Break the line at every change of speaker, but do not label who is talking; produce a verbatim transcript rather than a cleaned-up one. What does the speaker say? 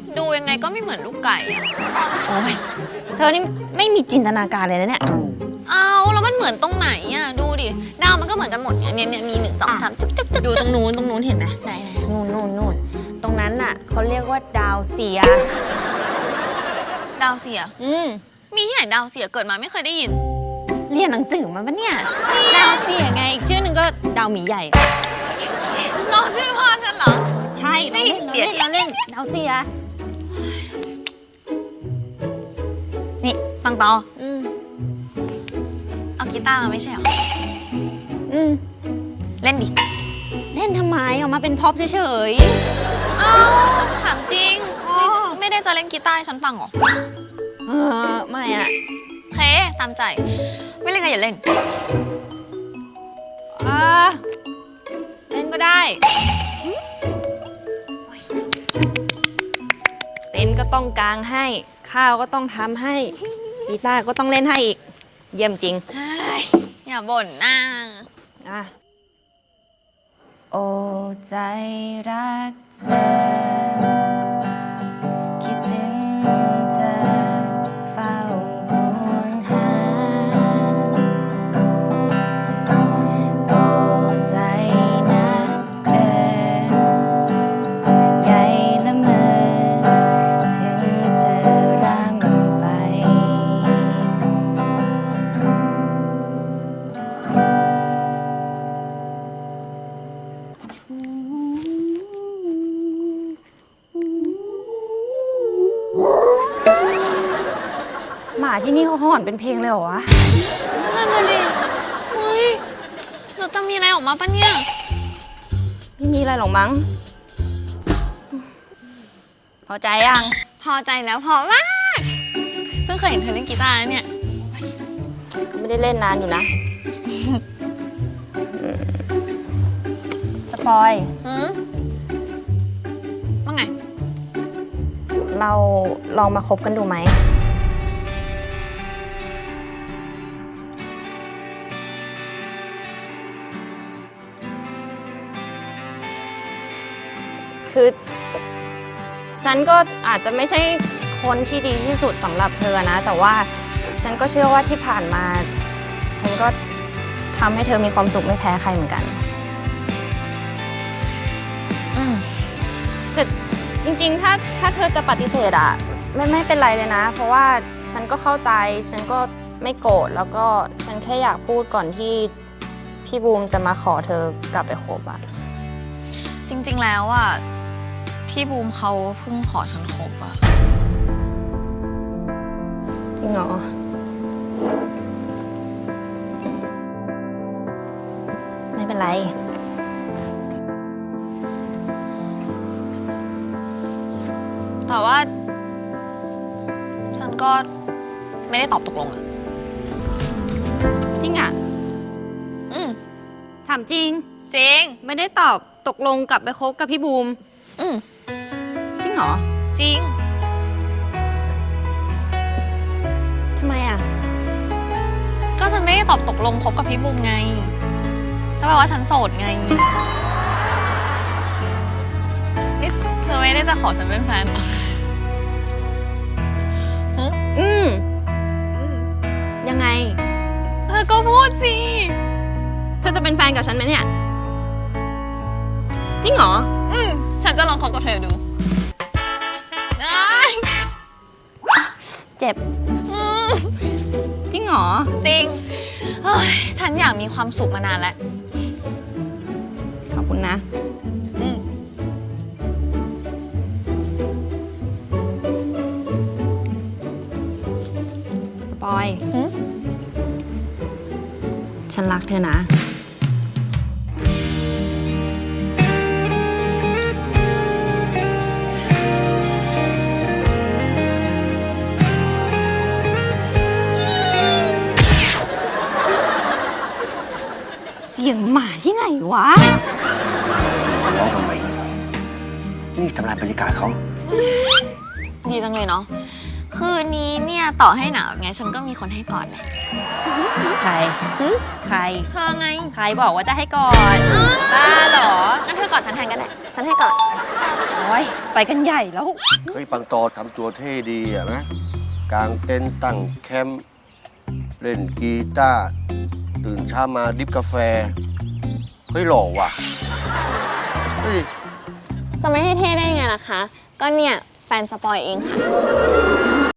ดูยังไงก็ไม่เหมือนลูกไก่อะ
โอ้ยเธอนี่ไม่มีจินตนาการเลยนะเนี่ย
เอาแล้วมันเหมือนตรงไหนอะดูดิดาวมันก็เหมือนกันหมดเนี่ยเนี่ยมีหนึ่งสองสามจุ๊บจุ๊บจุ๊บ
ดูตรงนู้นตรงนู้นเห็นไหม
ไหนไหน
นู่นนู่นนู่นตรงนั้นน่ะเขาเรียกว่าดาวเสีย
ดาวเสีย
อืม
มีที่ไหนดาวเสียเกิดมาไม่เคยได้ยิน
เรียนหนังสือมาปะเนี่ย ดาวเสียไง อีกชื่อหนึ่งก็ดาวหมีใหญ่
ลองชื่อพ่อฉันเหรอ
ใช่
ไม่
เรา
เดี๋
เล่
ย
น
ว
เราเล่นเราเล่นดาวเสีย
นี่ปังตอ
อืม
เอากีตาร์มาไม่ใช่เหรอ
อืม
เล่นดิ
เล่นทำไมออกมาเป็นพ็อปเฉย
เอ้าถามจริงไม่ไม่ได้จะเล่นกีตาร์ให้ฉันฟังเหรอ
ๆเออไม่อะ
โอเคตามใจ ไม่เล่นก็อย่าเล่น
อ่าเล่นก็ได้ เต้นก็ต้องกางให้ ข้าวก็ต้องทำให้กีตาร์ก็ต้องเล่นให้อีก เยี่ยมจริง
เฮ้ยอย่าบ่นนะ
อ่ะโอ้ใจรักเธอ คิดถึงเธอเฝ้าห่วงหาโอ้ใจนะเออใหญ่ละเมอถึงเธอรำไป หมาที่นี่เขาหอนเป็นเพลงเลยเหรอวะ
นั่นน่ะดิอุ้ยจะจะมีอะไรออกมาปะเนี่ย
ไม่มีอะไรหรอกมั้ง พอใจยัง
พอใจแล้วพอมาก เพิ่งเคยเห็นเธอเล่นกีตาร์นะเนี่ย
ก็ไม่ได้เล่นนานอยู่นะ สปอย
หืมว่าไง
เราลองมาคบกันดูไหม คือ ฉันก็อาจจะไม่ใช่คนที่ดีที่สุดสำหรับเธอนะ แต่ว่าฉันก็เชื่อว่าที่ผ่านมา ฉันก็ทำให้เธอมีความสุขไม่แพ้ใครเหมือนกัน
อืม
แต่จริงๆ ถ้าถ้าเธอจะปฏิเสธอะไม่ไม่เป็นไรเลยนะ เพราะว่าฉันก็เข้าใจ ฉันก็ไม่โกรธ แล้วก็ฉันแค่อยากพูดก่อนที่พี่บูมจะมาขอเธอกลับไปคบอะ
จริงๆแล้วอ่ะ พี่บูมเขาเพิ่งขอฉันคบอ่ะ
จริงเหรอ ไม่เป็นไร
แต่ว่า ฉันก็ไม่ได้ตอบตกลงอ่ะ
จริงอะ
อืม
ถามจริง
จริง
ไม่ได้ตอบตกลงกลับไปคบกับพี่บูม
อืม
จริงเหรอ
จริง
ทำไมอะ
ก็ฉันไม่ได้ตอบตกลงคบกับพี่บูมไงก็แปลว่าฉันโสดไงนี่เธอไม่ได้จะขอฉันเป็นแฟนเหรอ
อืม
อืม
ยังไง
เธอก็พูดสิ
เธอจะเป็นแฟนกับฉันไหมเนี่ย จริงเหรอ
อืม ฉันจะลองคบกับเธอดูอ้าย
เจ็บ
อืม
จริงเหรอ
จริงเฮ้ยฉันอยากมีความสุขมานานแล้ว
ขอบคุณนะ
อืม
สปอย
หืม
ฉันรักเธอนะ เสียงหมาที่ไหนวะ
จะร้องทำไมนี่ทำลายบรรยากาศเขา
ดีจังเลยเนาะ คืนนี้เนี่ยต่อให้หนาวไงฉันก็มีคนให้กอดแหละ
ใคร
หึ
ใคร
เธอไง
ใครบอกว่าจะให้กอด บ้าเหรอ
งั้นเธอกอดฉันแทนกันแหละ ฉันให้กอด
เออ้ยไปกันใหญ่แล้ว
เฮ้ยปังตอทำตัวเท่ดีอะนะกางเต็นท์ตั้งแคมป์เล่นกีตาร์ตื่นเช้ามาดริบกาแฟ เฮ้ยหล่อว่ะ เฮ้ย
จะไม่ให้เท่ได้ไงล่ะคะ ก็เนี่ยแฟนสปอยเองค่ะ